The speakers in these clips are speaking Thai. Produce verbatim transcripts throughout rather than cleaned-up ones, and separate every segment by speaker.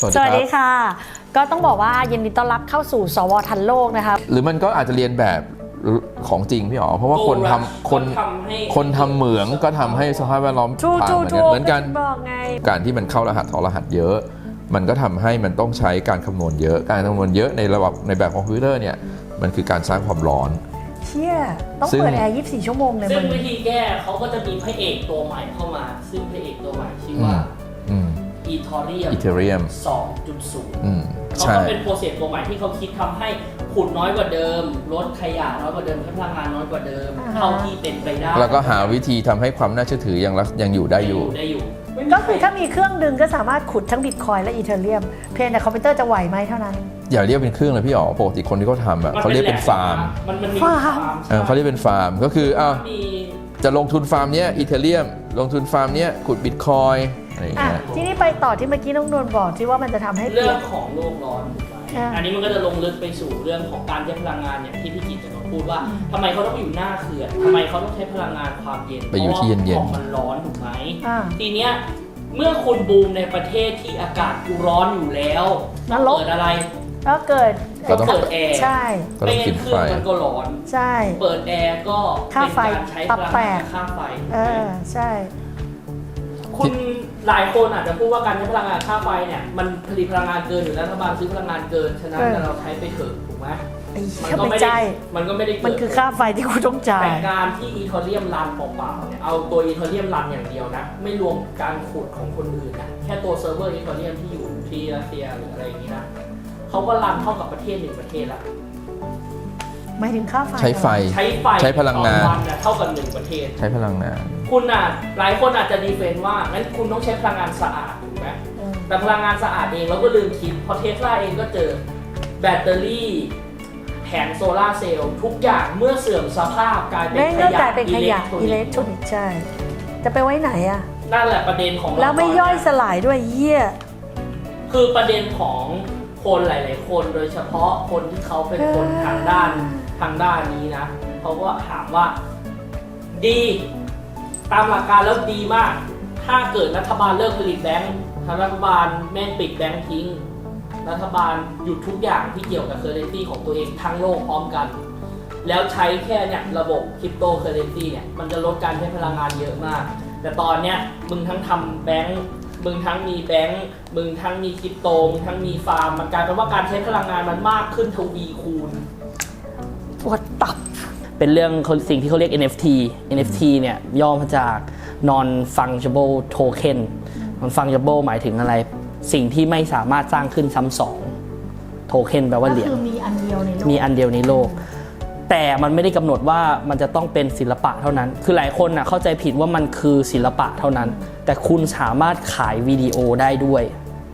Speaker 1: สวัสดีค่ะก็ต้องบอกว่ายินดีต้อนรับเข้าสู่สวทันโลกนะคะ
Speaker 2: หรือมันก็อาจจะเรียนแบบของจริงพี่อ๋อเพราะว่าคนทำคนคนทำเหมืองก็ทำให้สภาพแวดล้อมพังเหมือนกันการที่มันเข้ารหัสถอรหัสเยอะมันก็ทำให้มันต้องใช้การคำนวณเยอะการคำนวณเยอะในระบบในแบบคอมพิวเตอร์เนี่ยมันคือการสร้างความร้อน
Speaker 1: เชี่ยต้องเปิดแอร์ยี่สิบสี่ชั่วโมงเลย
Speaker 3: ซึ่งวิธีแก้เขาก็จะมีพระเอกตัวใหม่เข้ามาซึ่งพระเอกตัวใหม่ชื่อว่าอีทอเรียม
Speaker 2: อีเทเรียม
Speaker 3: สองจุดศูนย์ เขา
Speaker 2: ใช่
Speaker 3: ก็เป็นโปรเซสตัวใหม่ที่เขาคิดทำให้ขุดน้อยกว่าเดิมลดขยะน้อยกว่าเดิมใช้พลังงานน้อยกว่าเดิมเท่าที่เป็นไปได้
Speaker 2: แล้วก็หาวิธีทำให้ความน่าเชื่อถือยังยังอยู่ได้อยู่
Speaker 3: ได้อยู่
Speaker 1: ก็คือถ้ามีเครื่องดึงก็สามารถขุดทั้งบิตคอยและอีเทเรียมเพียงแต่คอมพิวเตอร์จะไหวไหมเท่านั้น
Speaker 2: อย่าเรียกเป็นเครื่องเลยพี่อ๋อปกติคนที่เขาทำอ่ะเขาเรียกเป็นฟาร์ม
Speaker 3: ฟาร์ม
Speaker 2: เขาเรียกเป็นฟาร์มก็คืออ้าวจะลงทุนฟาร์มเนี้ยอีเทเรียมลงทุนฟาร์มเนี้ยขุดบิตคอยอะไรอย่างเงี้ย
Speaker 1: ที่นี่ไปต่อที่เมื่อกี้น้องนวลบอกที่ว่ามันจะทำให้
Speaker 3: เรื่องของโลกร้อนอันนี้มันก็จะลงลึกไปสู่เรื่องของการใช้พลังงานอย่างที่พี่กิตจะมาพูดว่าทำไมเขาต้องอยู่หน้าเขื่อนทำไมเขาต้องใช้พลังงานความเย็น
Speaker 2: ไปอยู่ที่เย็น
Speaker 3: ๆมันร้อนถูกไหมทีเนี้ยเมื่อคุณบูมในประเทศที่อากาศร้อนอยู่แล้วเกิดอะไร
Speaker 1: ก็เกิด
Speaker 3: ก็เปิดแอร์
Speaker 1: ใช่
Speaker 3: ไม่งั้นเครื่องมันก็ร้อน
Speaker 1: ใช่
Speaker 3: เปิดแอร์ก็เป็นการใช้พลังงานค่าไฟ
Speaker 1: เออใช่
Speaker 3: คุณหลายคนอาจจะพูดว่าการใช้พลังงานค่าไฟเนี่ยมันผลิตพลังงานเกินอยู่แล้วรัฐบาลซื้อพลังงานเกินฉะนั้นเราใช้ไปเถอะถูกไหม
Speaker 1: มันก็ไม่ได้
Speaker 3: มันก็ไม่ได้
Speaker 1: มันคือค่าไฟที่คุณต้องจ่าย
Speaker 3: แต่การที่อีเทเรียมรันเปล่าๆเนี่ยเอาตัวอีเทเรียมรันอย่างเดียวนะไม่รวมการขุดของคนอื่นนะแค่ตัวเซิร์ฟเวอร์อีเทเรียมที่อยู่ที่รัสเซียหรืออะไรอย่างนี้นะเขาก็รันเท่ากับประเทศหนึ่งประเทศละ
Speaker 1: หมายถึงค่าไฟ
Speaker 2: ใช้ไฟ
Speaker 3: ใช้ไฟ
Speaker 2: ใช้พลังงาน
Speaker 3: เท่ากับหนึ่งประเทศ
Speaker 2: ใช้พลังงาน
Speaker 3: คุณอ่ะหลายคนอาจจะดีเฟนต์ว่างั้นคุณต้องใช้พลังงานสะอาดถูกไหมแต่พลังงานสะอาดเองเราก็ลืมคิดเพราะเทสลาเองก็เจอแบตเตอรี่แผงโซลาร์เซลล์ทุกอย่างเมื่อเสื่อมสภาพกลายเป็นขยะอิเล็กทรอนิกส์
Speaker 1: ใช่จะไปไว้ไหนอ่ะ
Speaker 3: นั่นแหละประเด็นของ
Speaker 1: แล้วไม่ย่อยสลายด้วยเยี่ย
Speaker 3: คือประเด็นของคนหลายๆคนโดยเฉพาะคนที่เขาเป็นคนทางด้านทางด้านนี้นะเขาก็ถามว่าดีตามหลักการแล้วดีมากถ้าเกิดรัฐบาลเลิกผลิตแบงค์ทางรัฐบาลแม่งปิดแบงค์ทิ้งรัฐบาลหยุดทุกอย่างที่เกี่ยวกับเคอร์เรนซีของตัวเองทั้งโลกพร้อมกันแล้วใช้แค่เนี่ยระบบคริปโตเคอร์เรนซีเนี่ยมันจะลดการใช้พลังงานเยอะมากแต่ตอนเนี้ยมึงทั้งทำแบงค์มึงทั้งมีแบงค์มึงทั้งมีคริปโตมึงทั้งมีฟาร์มมันกลายเป็นว่าการใช้พลังงานมันมากขึ้นทวีคูณ
Speaker 1: ปวดตับ
Speaker 3: เป็นเรื่องสิ่งที่เขาเรียก เอ็น เอฟ ที เอ็น เอฟ ที เนี่ยย่อมาจาก non fungible token non fungible หมายถึงอะไรสิ่งที่ไม่สามารถสร้างขึ้นซ้ำสองโทเค็นแปลว่าเหรียญ
Speaker 1: คือมีอันเดียวในโลก
Speaker 3: มีอันเดียวในโลกแต่มันไม่ได้กำหนดว่ามันจะต้องเป็นศิลปะเท่านั้นคือหลายคนน่ะเข้าใจผิดว่ามันคือศิลปะเท่านั้นแต่คุณสามารถขายวิดีโอได้ด้วย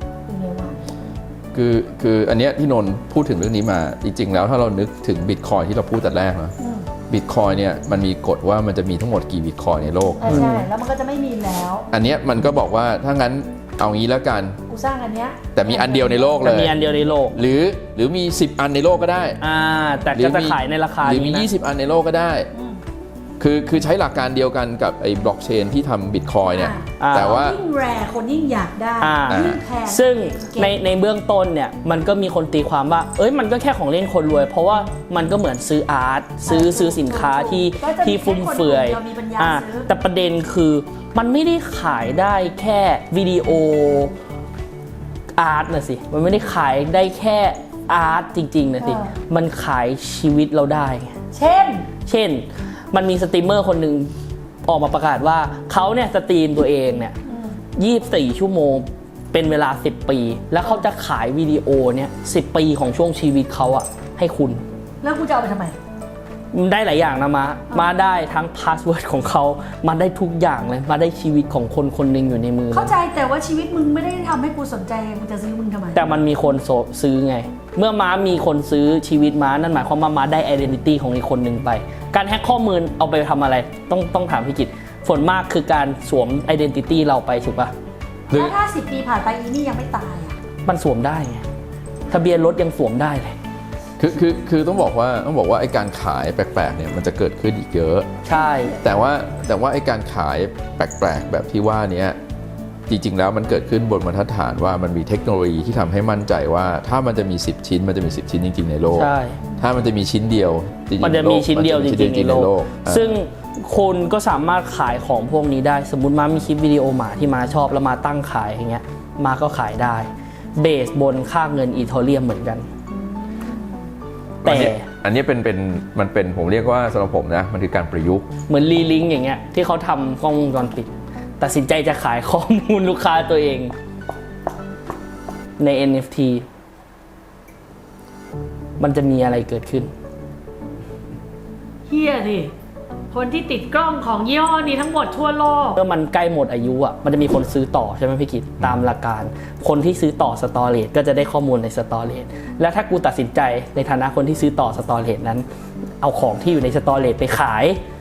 Speaker 2: คือคืออันเนี้ยที่นนท์พูดถึงเรื่องนี้มาจริงๆแล้วถ้าเรานึกถึงบิตคอยที่เราพูดแต่แรกนะบิตคอยเนี่ยมันมีกฎว่ามันจะมีทั้งหมดกี่บิตคอยในโลก
Speaker 1: ใช่แล้วมันก็จะไม่มีแล้ว
Speaker 2: อันเนี้ยมันก็บอกว่าถ้างั้นเอางี้แล้วกัน
Speaker 1: กูสร้างอันเนี้ย
Speaker 2: แต่มีอันเดียวในโลกเลย
Speaker 3: มีอันเดียวในโลก
Speaker 2: หรือหรือมีสิบอันในโลกก็ได้
Speaker 3: อ่าแต่ก็จะขายในราคา
Speaker 2: หรือมียี่สิบอันในโลกก็ได้คือคือใช้หลักการเดียวกันกับไอ้บล็อกเชนที่ทำบิตคอยเนี่ยแต่ว่า
Speaker 1: ยิ่งแรร์คนยิ่งอยากได้ยิ่งแพง
Speaker 3: ซึ่งในในเบื้องต้นเนี่ยมันก็มีคนตีความว่าเอ้ยมันก็แค่ของเล่นคนรวยเพราะว่ามันก็เหมือนซื้ออาร์ตซื้อซื้อสินค้าที่ที่ฟุ่มเฟือยอ่าแต่ประเด็นคือมันไม่ได้ขายได้แค่วิดีโออาร์ตนะสิมันไม่ได้ขายได้แค่อาร์ตจริงๆนะสิมันขายชีวิตเราได้
Speaker 1: เช่น
Speaker 3: เช่นมันมีสตรีมเมอร์คนหนึ่งออกมาประกาศว่าเขาเนี่ยสตรีมตัวเองเนี่ยยี่สิบสี่ชั่วโมงเป็นเวลาสิบปีแล้วเขาจะขายวิดีโอเนี่ยสิบปีของช่วงชีวิตเขาอะให้คุณ
Speaker 1: แล้วกูจะเอาไปทำไม
Speaker 3: ได้หลายอย่างนะมามาได้ทั้งพาสเวิร์ดของเขามาได้ทุกอย่างเลยมาได้ชีวิตของคนคนหนึ่งอยู่ในมือ
Speaker 1: เข้าใจแต่ว่าชีวิตมึงไม่ได้ทำให้กูสนใจมึงจะซื้อมึงทำไม
Speaker 3: แต่มันมีคนซื้อไงเมื่อม้ามีคนซื้อชีวิตม้านั่นหมายความว่าม้าได้ identity ของอีกคนหนึ่งไปการแฮ็กข้อมูลเอาไปทำอะไรต้องต้องถามพี่กิตส่วนมากคือการสวม identity เราไปถูกปะ
Speaker 1: แล้วถ้าสิบปีผ่านไปอีนี่ยังไม่ตายอ่ะ
Speaker 3: มันสวมได้ไงทะเบียนรถยังสวมได้เลย
Speaker 2: คือคือคือต้องบอกว่าต้องบอกว่าไอ้การขายแปลกๆเนี่ยมันจะเกิดขึ้นอีกเยอะ
Speaker 3: ใช่
Speaker 2: แต่ว่าแต่ว่าไอ้การขายแปลกๆแบบที่ว่านี้จริงๆแล้วมันเกิดขึ้นบนบรรทัดฐานว่ามันมีเทคโนโลยีที่ทำให้มั่นใจว่าถ้ามันจะมีสิบชิ้นมันจะมีสิบชิ้นจริงๆในโลก
Speaker 3: ใช่
Speaker 2: ถ้ามันจะมีชิ้นเดียวจริงๆ
Speaker 3: มันจะมีชิ้นเดียวจริงๆในโลก
Speaker 2: อ่า
Speaker 3: ซึ่งคนก็สามารถขายของพวกนี้ได้สมมุติมามีคลิปวิดีโอหมาที่มาชอบแล้วมาตั้งขายอย่างเงี้ยมาก็ขายได้เบสบนค่าเงินอีเธอเรียมเหมือนกันแต่
Speaker 2: อันนี้เป็นเป็นมันเป็นผมเรียกว่าสำหรับผมนะมันคือการประยุกต์
Speaker 3: เหมือนรีลิงก์อย่างเงี้ยที่เขาทำกล้องวงจรปิดตัดสินใจจะขายข้อมูลลูกค้าตัวเองใน เอ็น เอฟ ที มันจะมีอะไรเกิดขึ้น
Speaker 1: เฮียดิคนที่ติดกล้องของยี่ห้อนี้ทั้งหมดทั่วโลก
Speaker 3: เมื่อมันใกล้หมดอายุอ่ะมันจะมีคนซื้อต่อใช่ไหมพี่กิตตามหลักการ คนที่ซื้อต่อสตอเรจก็จะได้ข้อมูลในสตอเรจแล้วถ้ากูตัดสินใจในฐานะคนที่ซื้อต่อสตอเรจนั้น เอาของที่อยู่ในสตอเรจไปขาย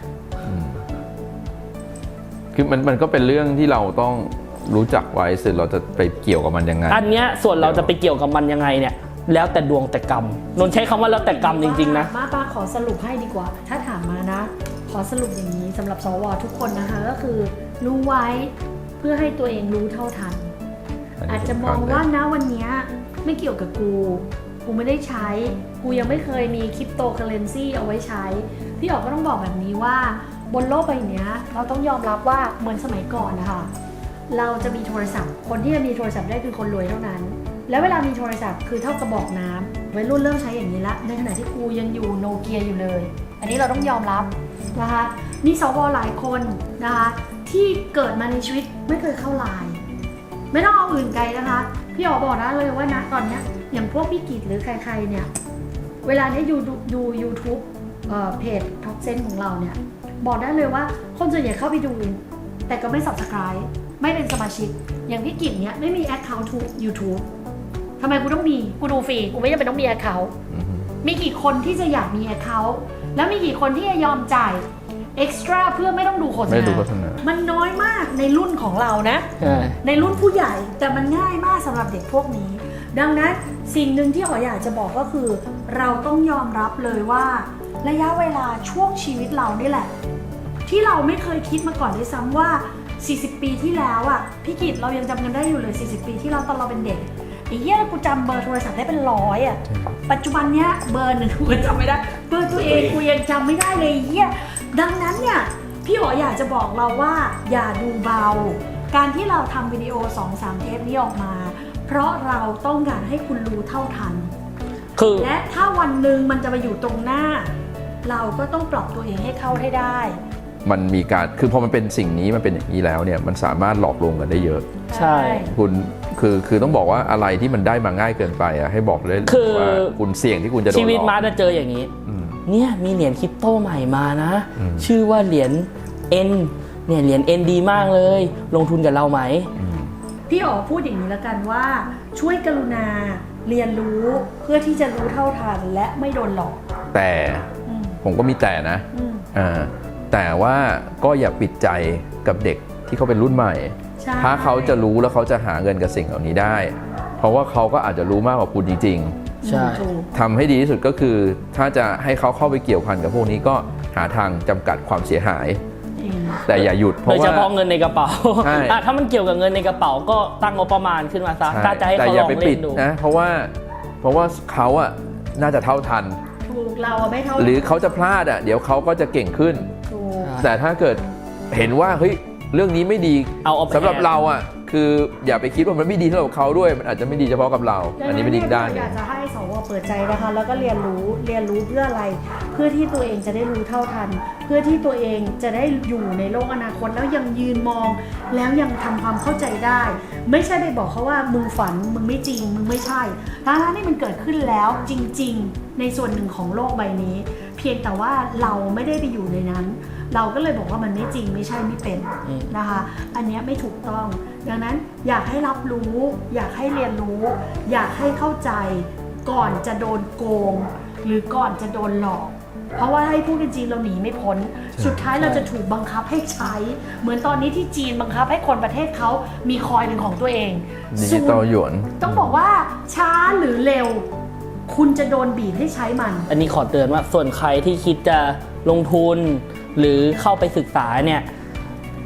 Speaker 2: คือมันมันก็เป็นเรื่องที่เราต้องรู้จักไว้เสร็จเราจะไปเกี่ยวกับมันยังไง
Speaker 3: อันเนี้ยส่วนเราจะไปเกี่ยวกับมันยังไงเนี่ยแล้วแต่ดวงแต่กรรมนนท์ใช้คำว่าแล้วแต่กรรมจริงๆนะ
Speaker 1: มาป้าขอสรุปให้ดีกว่า ถ้าถามมานะ ขอสรุปอย่างนี้สำหรับสวทุกคนนะคะก็คือรู้ไว้เพื่อให้ตัวเองรู้เท่าทัน อาจจะมองว่านะวันนี้ไม่เกี่ยวกับกู กูไม่ได้ใช้ กูยังไม่เคยมีคริปโตเคอเรนซีเอาไว้ใช้ พี่ออกก็ต้องบอกแบบนี้ว่าบนโลกใบนี้เราต้องยอมรับว่าเหมือนสมัยก่อนนะคะเราจะมีโทรศัพท์คนที่จะมีโทรศัพท์ได้คือคนรวยเท่านั้น แล้วเวลามีโทรศัพท์คือเท่ากระบอกน้ำวัยรุ่นเริ่มใช้อย่างนี้ละในขณะที่กูยังอยู่โนเกียอยู่เลย อันนี้เราต้องยอมรับนะคะมีสวหลายคนนะคะที่เกิดมาในชีวิตไม่เคยเข้าไลน์ไม่ต้องเอาอื่นไกลนะคะพี่อ๋อบอกนะเลยว่านะตอนเนี้ยอย่างพวกพี่กิจหรือใครๆเนี่ยเวลานี้ดูดูยูทูบเพจท็อปเซนของเราเนี่ยบอกได้เลยว่าคนส่วนใหญ่เข้าไปดูแต่ก็ไม่ Subscribe ไม่เป็นสมาชิกอย่างพี่กิจเนี่ยไม่มี Account ทุก YouTube ทำไมกูต้องมีกูดูฟรีกูไม่จำเป็นต้องมี Account มีกี่คนที่จะอยากมี Account แล้วมีกี่คนที่จะยอมจ่าย Extra เพื่อไม่ต้องดูโฆษ
Speaker 2: ไม่ดู
Speaker 1: ณา
Speaker 2: โฆษณา
Speaker 1: มันน้อยมากในรุ่นของเรานะ
Speaker 3: ใช่
Speaker 1: ในรุ่นผู้ใหญ่แต่มันง่ายมากสำหรับเด็กพวกนี้ ดังนั้นสิ่งหนึ่งที่อ๋ออยากจะบอกก็คือ เราต้องยอมรับเลยว่าระยะเวลาช่วงชีวิตเรานี่แหละ ที่เราไม่เคยคิดมาก่อนด้วยซ้ำว่า สี่สิบ ปีที่แล้วอ่ะพี่กิตเรายังจำกันได้อยู่เลย สี่สิบ ปีที่เราตอนเราเป็นเด็กไอ้เหี้ยกูจำเบอร์โทรศัพท์ได้เป็นร้อยอ่ะปัจจุบันเนี้ยเบอร์หนึ่งกูจำไม่ได้เบอร์ตัวเองกูยังจำไม่ได้เลยไอ้เหี้ยดังนั้นเนี่ยพี่อ๋ออยากจะบอกเราว่าอย่าดูเบาการที่เราทำวิดีโอ สองสาม เทปนี้ออกมา เพราะเราต้องการให้คุณรู้เท่าทัน
Speaker 3: คือ
Speaker 1: และถ้าวันหนึ่งมันจะมาอยู่ตรงหน้า เราก็ต้องปรับตัวเองให้เข้าให้ได้
Speaker 2: มันมีการคือพอมันเป็นสิ่งนี้มันเป็นอย่างนี้แล้วเนี่ยมันสามารถหลอกลวงกันได้เยอะ
Speaker 3: ใช่
Speaker 2: คุณคือคือต้องบอกว่าอะไรที่มันได้มาง่ายเกินไปอ่ะให้บอกเลย
Speaker 3: คือ
Speaker 2: ว่าคุณเสี่ยงที่คุณจะโดนหลอก
Speaker 3: ชีวิตมาจะเจออย่างนี้
Speaker 2: อืม
Speaker 3: เนี่ยมีเหรียญคริปโตใหม่มานะ
Speaker 2: อืม
Speaker 3: ชื่อว่าเหรียญ N เนี่ยเหรียญ N ดีมากเลย ลงทุนกับเราไหม
Speaker 2: อืม
Speaker 1: พี่อ๋อพูดอย่างนี้แล้วกันว่า ช่วยกรุณาเรียนรู้เพื่อที่จะรู้เท่าทันและไม่โดนหลอก
Speaker 2: แต่
Speaker 1: อืม
Speaker 2: ผมก็มีแต่นะ
Speaker 1: อืม
Speaker 2: อ่าแต่ว่าก็อย่าปิดใจกับเด็กที่เขาเป็นรุ่นใหม่
Speaker 1: ใช่
Speaker 2: ถ้าเขาจะรู้แล้วเขาจะหาเงินกับสิ่งเหล่านี้ได้ เพราะว่าเขาก็อาจจะรู้มากกว่าคุณจริง
Speaker 3: ใช่
Speaker 1: ถูก
Speaker 2: ๆทำให้ดีที่สุดก็คือ ถ้าจะให้เขาเข้าไปเกี่ยวพันกับพวกนี้ก็หาทางจำกัดความเสียหาย
Speaker 1: จริง
Speaker 2: แต่อย่าหยุดเพ
Speaker 3: โด
Speaker 2: ราะ
Speaker 3: ยเฉ
Speaker 2: ว่า
Speaker 3: พาะเงินในกระเป๋า
Speaker 2: ใช่
Speaker 3: อ่ะถ้ามันเกี่ยวกับเงินในกระเป๋าก็ตั้งงบประมาณขึ้นมาซะ
Speaker 2: ใช่
Speaker 3: ถ้าจะให้
Speaker 2: แต่
Speaker 3: เขา
Speaker 2: อ
Speaker 3: ล
Speaker 2: ย่า
Speaker 3: อง
Speaker 2: ไปปิ
Speaker 3: เล่
Speaker 2: ด
Speaker 3: นดู
Speaker 2: นะเพราะว่าเพราะว่าเขาอะน่าจะเท่าทัน
Speaker 1: ถูกเราอะไม่เท่า
Speaker 2: หรือเขาจะพลาดอะเดี๋ยวเขาก็จะเก่งขึ้น
Speaker 1: ถูก
Speaker 2: แต่ถ้าเกิดเห็นว่าเฮ้ยเรื่องนี้ไม่ดี
Speaker 3: เอาเอาไป
Speaker 2: สำหรับเราอะคืออย่าไปคิดว่ามันไม่ดีสำหรับเขาด้วยมันอาจจะไม่ดีเฉพาะกับเรา อันนี้ไม่ดีอีกด้านห
Speaker 1: อ
Speaker 2: นึ่ง
Speaker 1: ยากจะให้สวเปิดใจนะคะแล้วก็เรียนรู้เรียนรู้เพื่ออะไร เพื่อที่ตัวเองจะได้รู้เท่าทัน เพื่อที่ตัวเองจะได้อยู่ในโลกอนาคตแล้วยังยืนมอง แล้วยังทำความเข้าใจได้ ไม่ใช่ไปบอกเขาว่ามึงฝันมึงไม่จริงมึงไม่ใช่ทั้งๆที่มันเกิดขึ้นแล้วจริงๆในส่วนหนึ่งของโลกใบนี้ เพียงแต่ว่าเราไม่ได้ไปอยู่ในนั้น เราก็เลยบอกว่ามันไม่จริงไม่ใช่ไม่เป็นนะคะ อันเนี้ยไม่ถูกต้อง ดังนั้นอยากให้รับรู้ อยากให้เรียนรู้ อยากให้เข้าใจก่อนจะโดนโกง หรือก่อนจะโดนหลอก เพราะว่าให้พูดกันจริงเราหนีไม่พ้น สุดท้ายเราจะถูกบังคับให้ใช้ เหมือนตอนนี้ที่จีนบังคับให้คนประเทศเขามีคอยเป็นของตัวเอง
Speaker 2: ดิจิตอลหยวน
Speaker 1: ต้องบอกว่าช้าหรือเร็ว คุณจะโดนบีบให้ใช้มัน
Speaker 3: อันนี้ขอเตือนว่าส่วนใครที่คิดจะลงทุน หรือเข้าไปศึกษาเนี่ย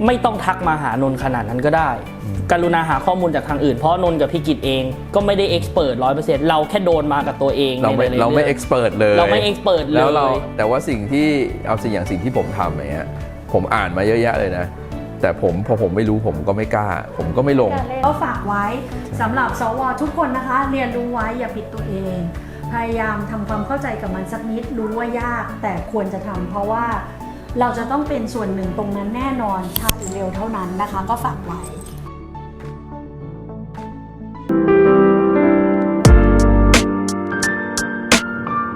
Speaker 3: ไม่ต้องทักมาหานนท์ขนาดนั้นก็ได้กรุณาหาข้อมูลจากทางอื่นเพราะนนท์กับพี่กิตเองก็ไม่ได้เอ็กซ์เพิร์ร้อยเปอร์เซ็นต์เราแค่โดนมากับตัวเอง
Speaker 2: เราไม่
Speaker 3: ในหลยๆ
Speaker 2: เราไม่
Speaker 3: อง
Speaker 2: เอ็กซ์เพรสเลย
Speaker 3: เราไม่เอ็กซ์เพิร์เลย
Speaker 2: แล้วเราแต่ว่าสิ่งที่เอาสิ่งอย่างสิ่งที่ผมทำอย่างเงี้ยผมอ่านมาเยอะแยะเลยนะแต่ผมพอผมไม่รู้ผมก็ไม่กล้า ผมก็ไม่ลง
Speaker 1: ก็ฝากไว้สำหรับสวทุกคนนะคะ เรียนรู้ไว้อย่าผิดตัวเอง พยายามทำความเข้าใจกับมันสักนิดรู้ว่ายากแต่ควรจะทำเพราะว่าเราจะต้องเป็นส่วนหนึ่งตรงนั้นแน่นอนช้าหรือเร็วเท่านั้นนะคะ ก็ฝากไว้